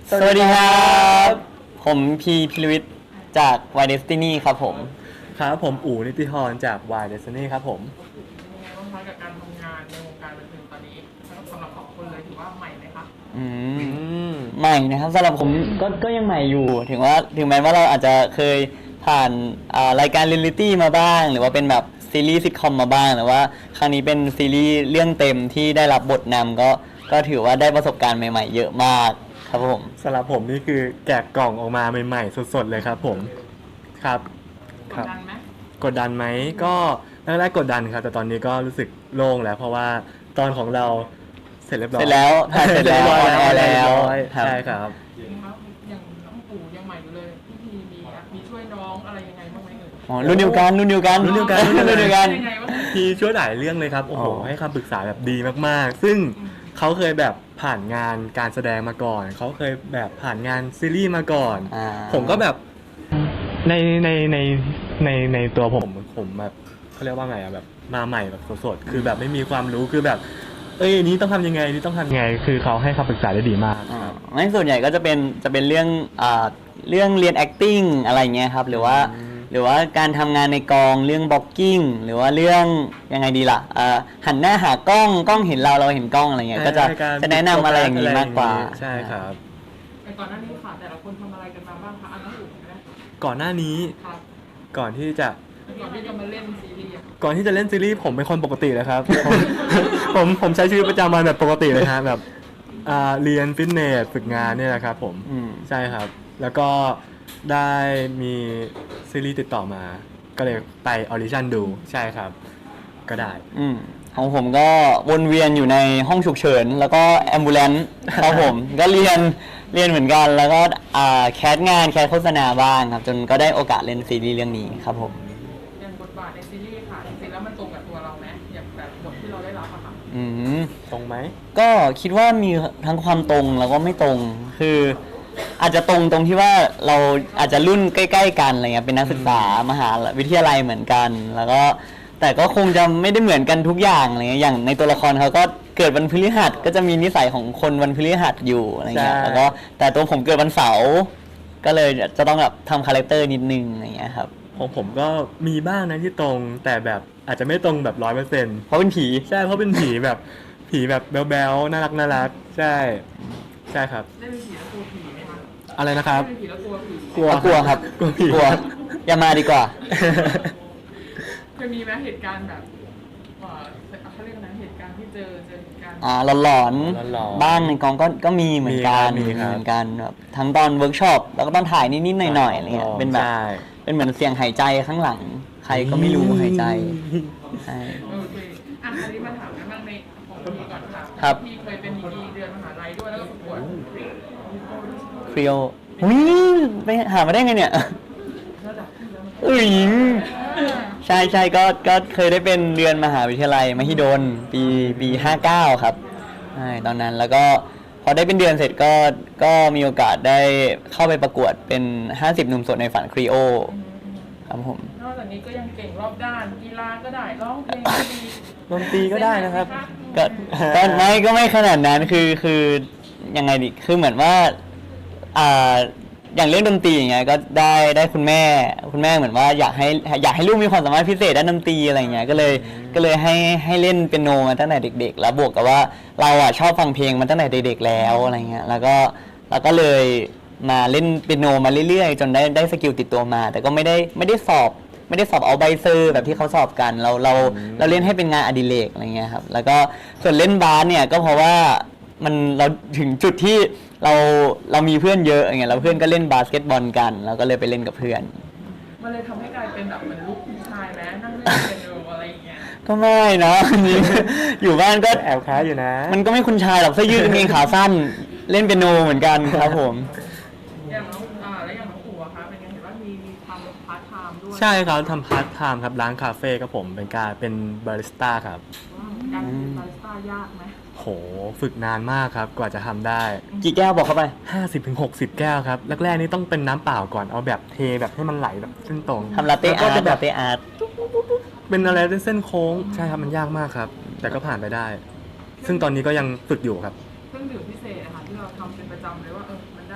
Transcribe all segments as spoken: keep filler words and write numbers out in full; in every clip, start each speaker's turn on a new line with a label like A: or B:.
A: สวัสดีครับผมพีพิรวิทย์จาก Y Destiny ครับผม
B: ครับผมอู๋นิติธรจาก Y Destiny ครับผม
C: เป็นไงบ้างคะกับการทำงานในวงการบันเทิงตอนนี้สำหรับสองคนเลยถือว่าใหม่ไหมคะ
A: อืมใหม่นะครับสำหรับผมก็ก็ยังใหม่อยู่ถึงว่าถึงแม้ว่าเราอาจจะเคยผ่านรายการเรียลลิตี้มาบ้างหรือว่าเป็นแบบซีรีส์ซิทคอมมาบ้างแต่ว่าครั้งนี้เป็นซีรีส์เรื่องเต็มที่ได้รับบทนำก็ก็ถือว่าได้ประสบการณ์ใหม่ๆเยอะมากครับผม
B: สำหรับผมนี่คือแกะกล่องออกมาใหม่ๆสดๆเลยครับผมครับ
C: กดดันไหม
B: กดดันไหมก็แรกๆกดดันครับแต่ตอนนี้ก็รู้สึกโล่งแล้วเพราะว่าตอนของเราเสร็จเรียบร้อย
A: เสร็จแล้วถ่ายเสร็จแล้วออนแอร์แล้ว
B: ใช่ครับ
C: อย่างน้องปู่ยังใหม่อยู่เลยพี่พีมีมีช่วยน้องอะไรยังไงบ้างไหมเอ่ย
A: อ๋อรุ่นเดียวกันรุ่นเดียวกัน
B: รุ่นเดียวกัน
A: รุ่นเดียวกัน
C: ยังไงบ้าง
B: พี่ช่วยหลายเรื่องเลยครับโอ้โหให้คำปรึกษาแบบดีมากๆซึ่งเขาเคยแบบผ่านงานการแสดงมาก่อนเขาเคยแบบผ่านงานซีรีส์มาก่อนผมก็แบบในในในในในตัวผมผมแบบเขาเรียกว่าไงอะแบบมาใหม่แบบสดๆคือแบบไม่มีความรู้คือแบบเอ้ยนี้ต้องทำยังไงนี่ต้องทำยังไงคือเขาให้คำปรึกษาได้ดีมาก
A: ไม่ส่วนใหญ่ก็จะเป็นจะเป็นเรื่องอ่าเรื่องเรียน acting อะไรเงี้ยครับหรือว่าหรือว่าการทำงานในกองเรื่อง blocking หรือว่าเรื่องยังไงดีล่ะหันหน้าหากล้องกล้องเห็นเราเราเห็นกล้องอะไรเงี้ยก็จะจะแนะนำอะไรอย่างนี้มากกว่า
B: ใช่ครับ
C: แต่ก่อนหน้านี้ค่ะแต่ละคนทำอะไรกันมาบ้างคะอันนั้นอยู่ไหม
B: ก่อนหน้านี้ก่อนที่จะ
C: ก่อนที่จะมาเล่นซีรีส์
B: ก่อนที่จะเล่นซีรีส์ผมเป็นคนปกติเลยครับ ผมผมใช้ชีวิตประจำวันแบบปกติเลยฮะแบบเรียนฟิตเนสฝึกงานเนี่ยนะครับผมใช่ครับแล้วก็ได้มีซีรีส์ติดต่อมาก็เลยไปออดิชั่นดูใช่ครับก็ได้
A: อืมของผมก็วนเวียนอยู่ในห้องฉุกเฉินแล้วก็แอมบูเลนซ์ครับผมก็เรียนเรียนเหมือนกันแล้วก็แคสงานแคสโฆษณาบ้างครับจนก็ได้โอกาสเล่นซีรีส์เรื่องนี้ครับผม
C: อย่างบทบาทในซีรีส์ค่ะจริงๆแล้วมันตรงกับตัวเราไหมอย่างแบบบทที่เราได้รับอะค่ะ
A: อืม
B: ตรงไหม
A: ก็คิดว่ามีทั้งความตรงแล้วก็ไม่ตรงคืออาจจะตรงตรงที่ว่าเราอาจจะรุ่นใกล้ๆกันอะไรเงี้ยเป็นนักศึกษามหาวิทยาลัยเหมือนกันแล้วก็แต่ก็คงจะไม่ได้เหมือนกันทุกอย่างอะไรเงี้ยอย่างในตัวละครเขาก็เกิดวันพฤหัสก็จะมีนิสัยของคนวันพฤหัสอยู่อะไรเงี้ยแล้วก็แต่ตัวผมเกิดวันเสาร์ก็เลยจะต้องแบบทำคาแรคเตอร์นิดนึงอะไรเงี้ยครับ
B: ของผมก็มีบ้างนะที่ตรงแต่แบบอาจจะไม่ตรงแบบร้อยเปอร์เซ็นต์
A: เพราะเป็นผี
B: ใช่เพราะเป็นผีแบบผีแบบแบ๊วๆน่ารักน่ารักใช่ใช่ครับ
C: ได้เป็นผีแล้วกลัวผีไหมคะ
B: อะไรนะครับ
C: ได้เป็นผีแล้วกลัวผี
A: กลัวกลัวครับ
B: กลัวผี
A: กลัวอย่ามาดีกว่า
C: เคยมีไหมเหตุการณ์แบบเขาเรียกนะเหตุการณ์ที่เจอเจอเหตุการณ์
A: อ่าหลอนๆบ้างในกองก็ก็มีเหมือนกันเหมือนกันแบบทั้งตอนเวิร์กช็อปแล้วก็ตอนถ่ายนิดๆหน่อยๆอะไรเงี้ยเป็นแบบเป็นเหมือนเสียงหายใจข้างหลังใครก็ไม่รู้หายใจใช่
C: โอเคอ่ะอันนี้มาถามกันบ้างในของพี่ก่อนค่ะ
A: ครับ
C: พี่เคยเป็นดีเดือนมหาลัยด้วยแล้วก็ประกวด
A: ครีโออุ้ยไปหามาได้ไงเนี่ยอุ้ยใช่ใช่ก็ก็เคยได้เป็นเดือนมหาวิทยาลัยมหิดลปีปีห้าเก้าครับใช่ตอนนั้นแล้วก็พอได้เป็นเดือนเสร็จก็ก็มีโอกาสได้เข้าไปประกวดเป็นห้าสิบหนุ่มโสดในฝันครีโอครับผม
C: นอกจากนี้ก็ยังเก่งรอบด้านกีฬาก็ได้ร้องเพลงก็ดี
B: ดนตรีก็ได้นะครับ
A: ก็ก็ไม่ก็ไม่ขนาดนั้นคือคือยังไงดิคือเหมือนว่าอ่าอย่างเรื่องดนตรีอย่างเงี้ยก็ได้ได้คุณแม่คุณแม่เหมือนว่าอยากให้อยากให้ลูกมีความสามารถพิเศษด้านดนตรีอะไรเงี้ยก็เลยก็เลยให้ให้เล่นเปียโนมาตั้งแต่เด็กๆแล้วบวกกับว่าเราอ่ะชอบฟังเพลงมาตั้งแต่เด็กๆแล้วอะไรเงี้ยแล้วก็แล้วก็เลยมาเล่นเปียโนมาเรื่อยๆจนได้ได้สกิลติดตัวมาแต่ก็ไม่ได้ไม่ได้สอบไม่ได้สอบเอาใบเซอร์แบบที่เขาสอบกันเราเราเราเล่นให้เป็นงานอดิเรกอะไรเงี้ยครับแล้วก็ส่วนเล่นบาสเนี่ยก็เพราะว่ามันเราถึงจุดที่เราเรามีเพื่อนเยอะอย่างเงี้ยแล้วเพื่อนก็เล่นบาสเกตบอลกันเราก็เลยไปเล่นกับเพื่อน
C: มันเลยทำให้กลายเป็นแบบเหมือนลูกผู้ชายไหมนั่งเล่นเปียโนอะไรอย่างเงี้ย
A: ก็ไม่นะอยู่บ้านก็
B: แอบค้าอยู่นะ
A: มันก็ไม่คุณชายหรอกเสื้อยืดกางเกงขาสั้นเล่นเปียโนเหมือนกันครับผม
C: อย่างน้องอ่าแล้วอย่างน้องปู่อะคะเป็นไงเห็นว่ามีมีทำพาร์ทไทม์ด้วย
B: ใช่ครับทำพาร์ทไทม์ครับร้านคาเฟ่ครับผมเป็นการเป็นบาริสต้าครับ
C: การเป็นบาริสต้ายากไหม
B: โหฝึกนานมากครับกว่าจะทำได้
A: กี่แก้วบอกเข้าไป
B: ห้าสิบถึงหกสิบ แก้วครับแรกๆนี่ต้องเป็นน้ำเปล่าก่อนเอาแบบเทแบบให้มันไหลแบบเส้นตรง
A: ทำลาเต้อาร์ตแบบเต้อาร์ต
B: เป็นอะไรเป็นเส้นโค้งใช่ครับมันยากมากครับแต่ก็ผ่านไปได้ซึ่งตอนนี้ก็ยังฝึกอยู่ครับ
C: เครื่องดื่มพิเศษนะคะที่เราทำเป็นประจำเลยว่าเออมันได้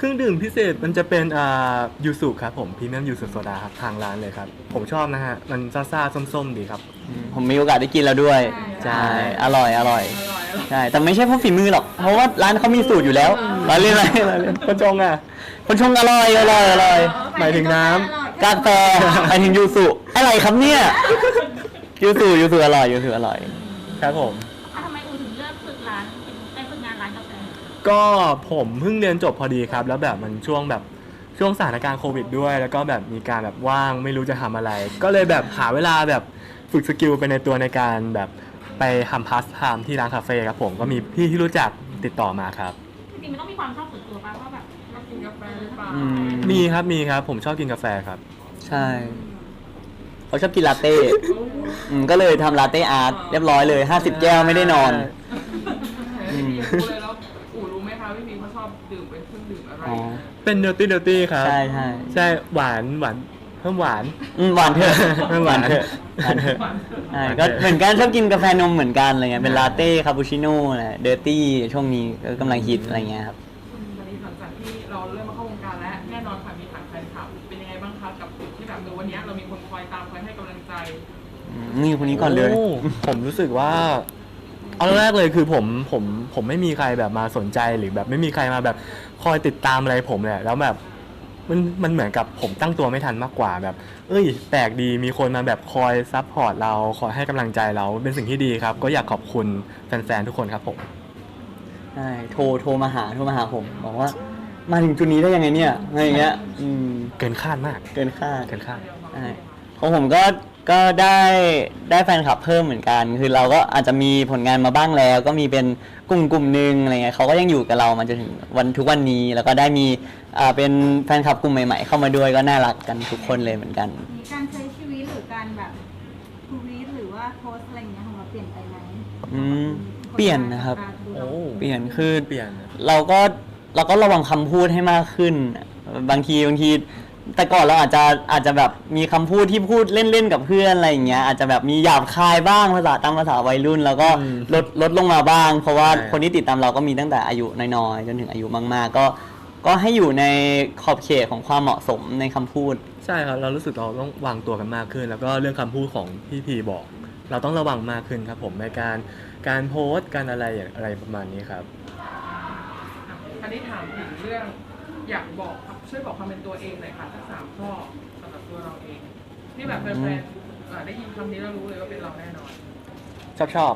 B: รื่องดื่มพิเศษมันจะเป็นอ่ายูสุครับผมพรีเมียมยูสุโซดาครับทางร้านเลยครับผมชอบนะฮะมันซ่าๆส้มๆดีครับ
A: ผมมีโอกาสได้กินแล้วด้วย
B: ใช่
A: อร่อยอร่อย
C: อร่อยอร่อย
A: ใช่แต่ไม่ใช่เพราะฝีมือหรอกเพราะว่าร้านเขามีสูตรอยู่แล้วเราเล่นอะไรเราเล่น
B: คนชงอ่ะ
A: คนชงอร่อยอร่อยอร่อย
B: หมายถึงน้ำ
A: กาแฟไปถึงยูสุอะไรครับเนี่ยยูสุยูสุอร่อยยูสุอร่อย
B: ครับผม
D: อ่ะทำไมอูถึงเลือกฝึกร้านไอ้ฝึกงานร้านกาแฟ
B: ก็ผมเพิ่งเรียนจบพอดีครับ แล้วแบบมันช่วงแบบช่วงสถานการณ์โควิดด้วย แล้วก็แบบมีการแบบว่างไม่รู้จะทำอะไร ก็เลยแบบหาเวลาแบบฝึกสกิลไปในตัวในการแบบไปทำพาสไทม์ที่ร้านคาเฟ่ครับผมก็มีพี่ที่รู้จักติดต่อมาครับ
D: จริงๆมันต้องมีความชอบส่วนตัวป่ะว่าแบบ
C: ชอบกินกาแฟหรือเปล่า
A: อืม
B: มีครับมีครับผมชอบกินกาแฟครับ
A: ใช่เขาชอบกินลาเต้อืมก็เลยทำลาเต้อาร์ตเรียบร้อยเลยห้าสิบแก้วไม่ได้นอน
C: พี่พีรู้เลยแล้วอู๋รู้ไหมคะพี่พีเขาชอบดื่มเป็นเครื่องดื่มอะไร
A: อ๋อ
B: เป็นเนอร์ตี้เนอร์ตี้ครับ
A: ใช่ใช่
B: ใช่หวานหวานเพิ่มหวาน
A: อืมหวานเถอะ
B: ไม่หวาน
A: เถอะหวานเถอะใช่ก็เหมือนกันชอบกินกาแฟนมเหมือนกันอะไรเงี้ยเป็นลาเต้คาปูชิโน่แหละเดอร์ตี้ช่วงนี้ก็กำลังฮิตอะไรเงี้ยครับ
C: ตอนนี้หลังจากที่เราเริ่มมาเข้าวงการแล้วแน่นอนค่ะมีฐานแฟนคลับเป็นยังไงบ้างคะกับจุดที่แบบเออวันนี้เรามีคนคอยตามคอยให้กำลังใจ
A: อืมนี่คนนี้ก่อนเลย
B: โผมรู้สึกว่าเอาแรกเลยคือผมผมผมไม่มีใครแบบมาสนใจหรือแบบไม่มีใครมาแบบคอยติดตามอะไรผมเลยแล้วแบบมันมันเหมือนกับผมตั้งตัวไม่ทันมากกว่าแบบ เอ้ยแปลกดีมีคนมาแบบคอยซัพพอร์ตเราคอยให้กำลังใจเราเป็นสิ่งที่ดีครับ ก็อยากขอบคุณแฟนๆทุกคนครับผม
A: ใช่โทรโทรมาหาโทรมาหาผมบอกว่า มาถึงจุดนี้ได้ยังไงเนี่ยอะไรอย่างเงี้ยอืม
B: เกินคาดมาก
A: เกินคาด
B: เกินคาด
A: ใช่ของผมก็ก็ได้ได้แฟนคลับเพิ่มเหมือนกัน คือเราก็อาจจะมีผลงานมาบ้างแล้ว ก็มีเป็นกลุ่มกลุ่มหนึ่งอะไรเงี้ยเขาก็ยังอยู่กับเรามาจนถึงวันทุกวันนี้ แล้วก็ได้มีอ่าเป็นแฟนคลับกลุ่มใหม่ๆ เข้ามาด้วยก็น่ารักกันทุกคนเลยเหมือนกัน
E: มีการใช้ชีวิตหรือการแบบทวีตหรือว่าโพสต์อะไรอย่างเงี้ยของเราเปลี่ยนไปไหม
A: อืมเปลี่ยนนะครับ
B: โอ้
A: เปลี่ยนคือ
B: เปลี่ยน
A: เราก็เราก็ระวังคำพูดให้มากขึ้น บางทีบางที แต่ก่อนเราอาจจะอาจจะแบบมีคำพูดที่พูดเล่นๆกับเพื่อนอะไรอย่างเงี้ยอาจจะแบบมีหยาบคายบ้างภาษาตามภาษาวัยรุ่น แล้วก็
B: อืม
A: ลดลดลงมาบ้าง เพราะว่า
B: ใช่
A: คนที่ติดตามเราก็มีตั้งแต่อายุน้อยๆจนถึงอายุมากๆ ก็ก็ให้อยู่ในขอบเขตของความเหมาะสมในคำพูด
B: ใช่ครับเรารู้สึกเราต้องวางตัวกันมากขึ้น แล้วก็เรื่องคำพูดของพี่พีบอก เราต้องระวังมากขึ้นครับผมในการการโพสต์การอะไรอย่างอะไรประมาณนี้ครับ
C: อันนี้ถามถึงเรื่องอยากบอกช่วยบอกความเป็นตัวเองหน่อยค่ะทั้งสามข้อสำหรับตัวเราเองที่แบบแฟนๆอ่าได้ยินคำนี้แล้วรู้เลยว่าเป็นเราแน่นอน
B: ชอบชอบ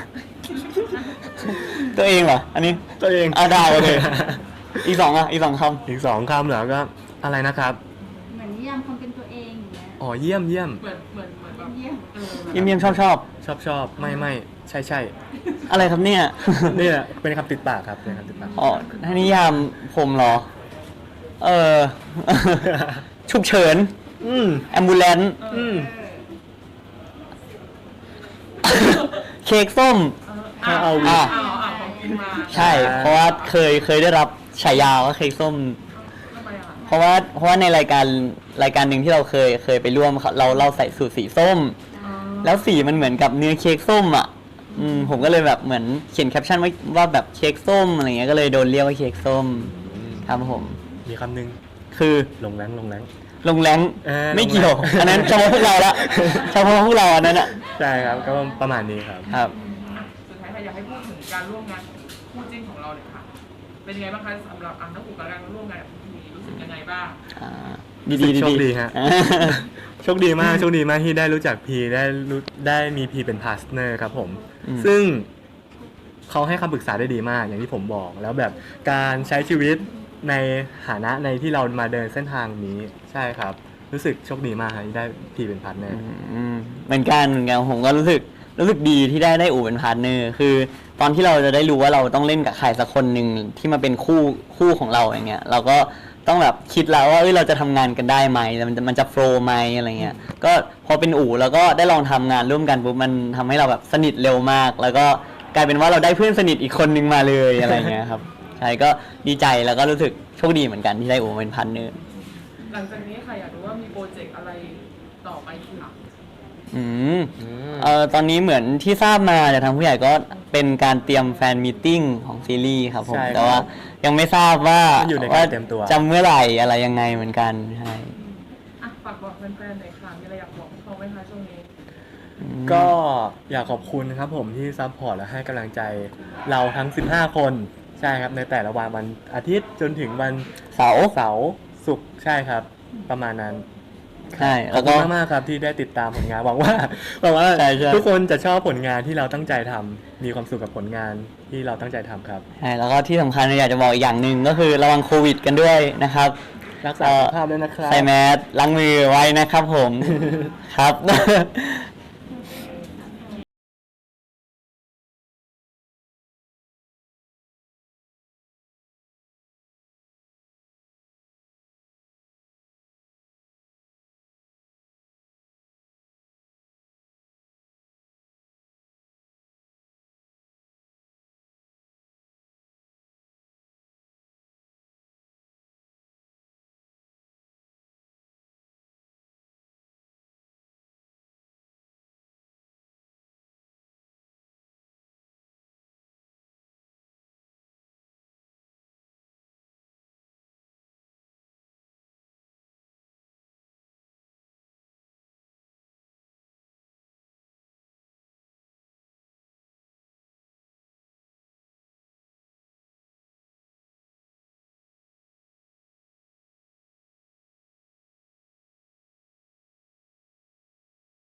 A: ตัวเองเหรออันนี้
B: ตัวเอง
A: อ่ะได้โอเค อีกสองอ่ะอีกสองค
B: อีกสองคำเหรอก็อะไรนะครับ
E: เหมือนนิยามความเป็นตัวเองอย่างเงี้ย
B: อ๋อเยี่ยมเยี่ยม
C: เหมือนเหมือนเหมือนแบบ
E: เยี่ยม
C: เออ
A: ำเยี่ยมเยี่ยมชอบชอบ
B: ชอบชอบไม่ไม่ใช่ใช่
A: อะไรครับเนี่ย
B: นี่แหละเป็นคำติดปากครับเป็นคำติดปาก
A: อ๋อถ้านิยามผมเหรอ เออ ฉุกเฉิน
B: อืม
A: แอมบูเลน
B: อืม
A: เค้กส้ม
C: อ่า
B: เอา
C: อ่า
A: อ่ะ
C: เอาเอาของกินมา
A: ใช่ เพราะว่าเคยเคยได้รับฉายาว่าเค้กส้ม
C: ทำไมอ่ะ
A: เพราะว่าเพราะว่าในรายการรายการหนึ่งที่เราเคยเคยไปร่วมเขาเราเราใส่สูตรสีส้ม
C: อ๋อ
A: แล้วสีมันเหมือนกับเนื้อเค้กส้มอ่ะ อืมผมก็เลยแบบเหมือนเขียนแคปชั่นไว้ว่าแบบเค้กส้มอะไรเงี้ยก็เลยโดนเรียกว่าเค้กส้มครับผม
B: มีคำหนึ่ง
A: คือ
B: ลงแรงลงแรง
A: ลงแรง
B: เออ
A: ไม่เกี่ยว
B: ลงแรง
A: อันนั้นเฉพาะพวกเราละเฉพาะพวกเราอันนั้นอ่ะ
B: ใช่ครับก็ประมาณนี้ครับ
A: ครับ
C: อ่ะสุดท้ายค่ะอยากให้พูดถึงการร่วมงานคู่จิ้นของเราเนี่ยค่ะ เป็นยังไงบ้างคะสำหรับอ่ะนักอุปการร่วมงานกับพี่พีรู้สึกยังไงบ้าง
A: อ่าดีดีดี
B: โชคดีฮะ
A: อ่า
B: โชคดีมากโชคดีมากที่ได้รู้จักพีได้รู้ได้มีพีเป็นพาร์ทเนอร์ครับผม
A: อืม
B: ซึ่งเขาให้คำปรึกษาได้ดีมากอย่างที่ผมบอก แล้วแบบการใช้ชีวิตในฐานะในที่เรามาเดินเส้นทางนี้ใช่ครับ รู้สึกโชคดีมากครับที่ได้พีเป็นพาร์ทเนอร์
A: อืมเหมือนกันเหมือนกันผมก็รู้สึกรู้สึกดีที่ได้ได้อู่เป็นพาร์ทเนอร์คือ ตอนที่เราจะได้รู้ว่าเราต้องเล่นกับใครสักคนหนึ่งที่มาเป็นคู่คู่ของเราอย่างเงี้ยเราก็ต้องแบบคิดแล้วว่าเอ้ยเราจะทำงานกันได้ไหมมันจะมันจะโฟล์ไหมอะไรเงี้ยก็พอเป็นอู่แล้วก็ได้ลองทำงานร่วมกันปุ๊บมันทำให้เราแบบสนิทเร็วมาก แล้วก็กลายเป็นว่าเราได้เพื่อนสนิทอีกคนนึงมาเลยอะไรเงี้ยครับใช่ก็ดีใจแล้วก็รู้สึกโชคดีเหมือนกันที่ได้อู่เป็นพาร์ทเนอร์
C: หลังจากนี้ค่ะอยากรู้ว่ามีโปรเจกต์อะไรต่อไปอีกค่ะ
A: อืม เอ่อตอนนี้เหมือนที่ทราบมาจากทางผู้ใหญ่ก็เป็นการเตรียมแฟนมีตติ้งของซีรีส์ครับผม
B: ใช่ครับ
A: แต่ว่ายังไม่ทราบว่า
B: มันอยู่ในการเตรียมตัว
A: จะเมื่อไหร่อะไรยังไงเหมือนกันใช่
C: อ่ะฝากบอกแฟนๆหน่อยค่ะมีอะไรอยากบอกเขาไหมคะช่วงนี้
B: ก็อยากขอบคุณครับผมที่ซัพพอร์ตและให้กำลังใจเราทั้ง สิบห้า คนใช่ครับในแต่ละวันวันอาทิตย์จนถึงวัน
A: เสาร์
B: เสาร์ศุกร์ใช่ครับ ประมาณนั้น
A: ใช่
B: ขอ
A: แล้
B: บ
A: ว
B: คุ
A: ก็
B: ณมากๆครับที่ได้ติดตามผลงานหวังว่าหวังว่า
A: ใช่ใช่
B: ทุกคนจะชอบผลงานที่เราตั้งใจทำมีความสุขกับผลงานที่เราตั้งใจทำครับ
A: ใช่แล้วก็ที่สำคัญอยากจะบอกอีกอย่างหนึ่งก็คือระวังโควิดกันด้วยนะครับ
B: รักษาสุขภาพด้วยนะครับ
A: ใส่แมสล้างมือไว้นะครับผม ครับ